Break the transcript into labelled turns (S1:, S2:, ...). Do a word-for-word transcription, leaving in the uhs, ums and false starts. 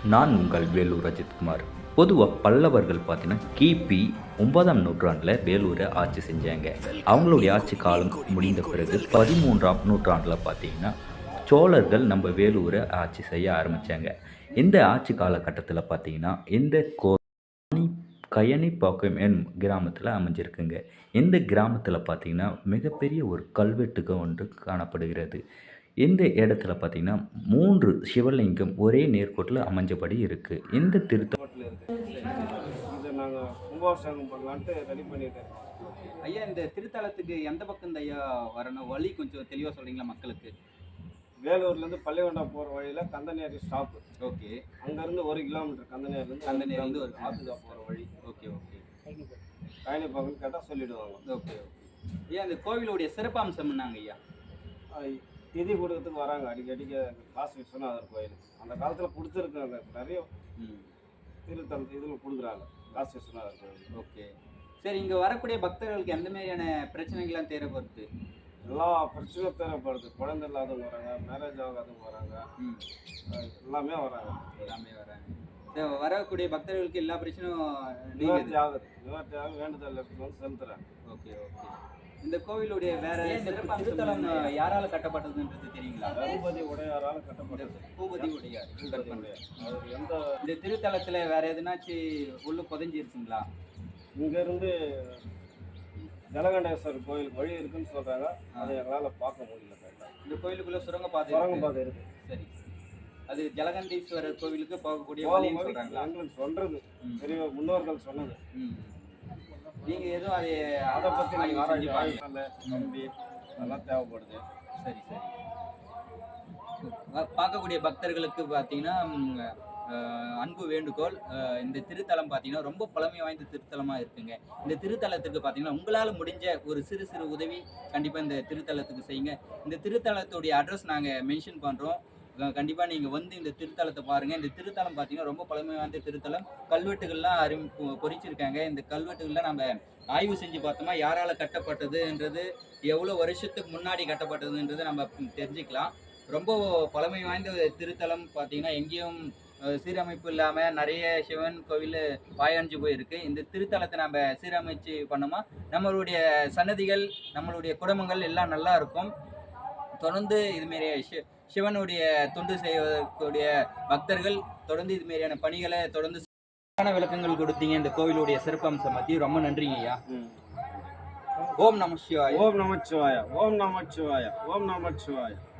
S1: நான் உங்கள் வேலூர் அஜித்குமார். பொதுவாக பல்லவர்கள் பார்த்தீங்கன்னா கிபி ஒன்பதாம் நூற்றாண்டில் வேலூரை ஆட்சி செஞ்சாங்க. அவங்களுடைய ஆட்சி காலம் முடிந்த பிறகு பதிமூன்றாம் நூற்றாண்டில் பார்த்தீங்கன்னா சோழர்கள் நம்ம வேலூரை ஆட்சி செய்ய ஆரம்பித்தாங்க. இந்த ஆட்சி காலகட்டத்தில் பார்த்தீங்கன்னா இந்த கோ கயனிப்பாக்கம் எனும் கிராமத்தில் அமைஞ்சிருக்குங்க. இந்த கிராமத்தில் பார்த்தீங்கன்னா மிகப்பெரிய ஒரு கல்வெட்டுக்கு ஒன்று காணப்படுகிறது. இந்த இடத்துல பார்த்தீங்கன்னா மூன்று சிவலிங்கம் ஒரே நேர்கோட்டில் அமைஞ்சபடி இருக்குது. இந்த திருத்த
S2: இதை நாங்கள் கும்பாபிஷேகம் பண்ணலான்ட்டு ரெடி பண்ணிட்டு
S3: ஐயா, இந்த திருத்தலத்துக்கு எந்த பக்கம் இந்த ஐயா வரணும் வழி கொஞ்சம் தெளிவாக சொல்கிறீங்களா மக்களுக்கு?
S2: வேலூர்லேருந்து பள்ளிகொண்டா போகிற வழியில் கந்தநேரி ஸ்டாப்பு.
S3: ஓகே.
S2: அங்கேருந்து ஒரு கிலோமீட்டர் கந்தநேரிலேருந்து
S3: கந்தநேரி வந்து ஒரு
S2: ஆத்துக்கா போகிற வழி.
S3: Okay okay.
S2: கயனி பக்கம் கேட்டால் சொல்லிவிடுவாங்க.
S3: Okay okay. ஐயா, இந்த கோவிலுடைய சிறப்பம்சம் என்னங்க ஐயா?
S2: திதி கொடுக்கறதுக்கு வராங்க அடிக்கடிக்க காசு விஸ்வநாதர் கோயில். அந்த காலத்தில் கொடுத்துருக்காங்க நிறைய திருத்தல இதில் கொடுக்குறாங்க காசு விஸ்வநாதர் கோயில்.
S3: ஓகே சரி. இங்கே வரக்கூடிய பக்தர்களுக்கு எந்த மாதிரியான பிரச்சனைகள்லாம் தேவைப்படுது?
S2: எல்லா பிரச்சனையும் தேவைப்படுது. குழந்தை இல்லாதவங்க வராங்க, மேரேஜ் ஆகாதவங்க வராங்க, எல்லாமே வராங்க
S3: எல்லாமே வராங்க. வரக்கூடிய பக்தர்களுக்கு எல்லா பிரச்சனையும்
S2: நிவர்த்தி ஆகுது. நிவர்த்தி ஆக வேண்டுதல் வந்து செலுத்துறாங்க. Okay
S3: okay. இந்த கோவிலுடைய வேற திருத்தலம் யாரால கட்டப்பட்டதுன்றது தெரியுங்களா?
S2: பூபதி உடையாரால் கட்டப்பட்டது.
S3: பூபதி உடையார்.
S2: அவர் எந்த
S3: இந்த திருத்தலத்துல வேற எதுனாச்சும் உள்ள புதைஞ்சிருக்குங்களா?
S2: இங்க இருந்து ஜலகண்டேஸ்வரர் கோயில் வழி இருக்குன்னு சொல்றாங்க. அதை எங்களால் பார்க்க முடியல.
S3: இந்த கோயிலுக்குள்ள சுரங்க பாதை
S2: சுரங்க பாதை இருக்கு.
S3: சரி. அது ஜலகண்டீஸ்வரர் கோவிலுக்கு போகக்கூடிய வழின்னு சொல்றாங்களா?
S2: எங்களுக்கு சொல்றது பெரிய முன்னோர்கள் சொன்னது.
S3: நீங்கள் எதுவும் அதை
S2: அதை பற்றி நீங்கள் ஆராய்ச்சி ஆராய்ச்சி நம்பி அதெல்லாம் தேவைப்படுது.
S3: சரி சரி. பார்க்கக்கூடிய பக்தர்களுக்கு பார்த்தீங்கன்னா அன்பு வேண்டுகோள், இந்த திருத்தலம் பார்த்தீங்கன்னா ரொம்ப பழமை வாய்ந்த திருத்தலமாக இருக்குங்க. இந்த திருத்தலத்துக்கு பார்த்தீங்கன்னா உங்களால் முடிஞ்ச ஒரு சிறு சிறு உதவி கண்டிப்பாக இந்த திருத்தலத்துக்கு செய்யுங்க. இந்த திருத்தலத்துடைய அட்ரஸ் நாங்கள் மென்ஷன் பண்ணுறோம். கண்டிப்பாக நீங்கள் வந்து இந்த திருத்தலத்தை பாருங்கள். இந்த திருத்தலம் பார்த்தீங்கன்னா ரொம்ப பழமை வாய்ந்த திருத்தலம். கல்வெட்டுகள்லாம் அறி பொறிச்சிருக்காங்க. இந்த கல்வெட்டுகள்லாம் நம்ம ஆய்வு செஞ்சு பார்த்தோமா யாரால் கட்டப்பட்டதுன்றது, எவ்வளோ வருஷத்துக்கு முன்னாடி கட்டப்பட்டதுன்றது நம்ம தெரிஞ்சுக்கலாம். ரொம்ப பழமை வாய்ந்த திருத்தலம் பார்த்தீங்கன்னா எங்கேயும் சீரமைப்பு இல்லாமல் நிறைய சிவன் கோவில் பாயஞ்சு போயிருக்கு. இந்த திருத்தலத்தை நம்ம சீரமைச்சு பண்ணோமா நம்மளுடைய சன்னதிகள் நம்மளுடைய குடும்பங்கள் எல்லாம் நல்லா இருக்கும். தொடர்ந்து இதுமாரி சிவனுடைய தொண்டு செய்யக்கூடிய பக்தர்கள் தொடர்ந்து இதுமாரியான பணிகளை தொடர்ந்து விளக்கங்கள் கொடுத்தீங்க. இந்த கோவிலுடைய சிறப்பம்சம் பற்றி ரொம்ப நன்றிங்க ஐயா. ஓம் நம சிவாய.
S2: ஓம் நம சிவாய. ஓம் நம சிவாய. ஓம் நம சிவாய.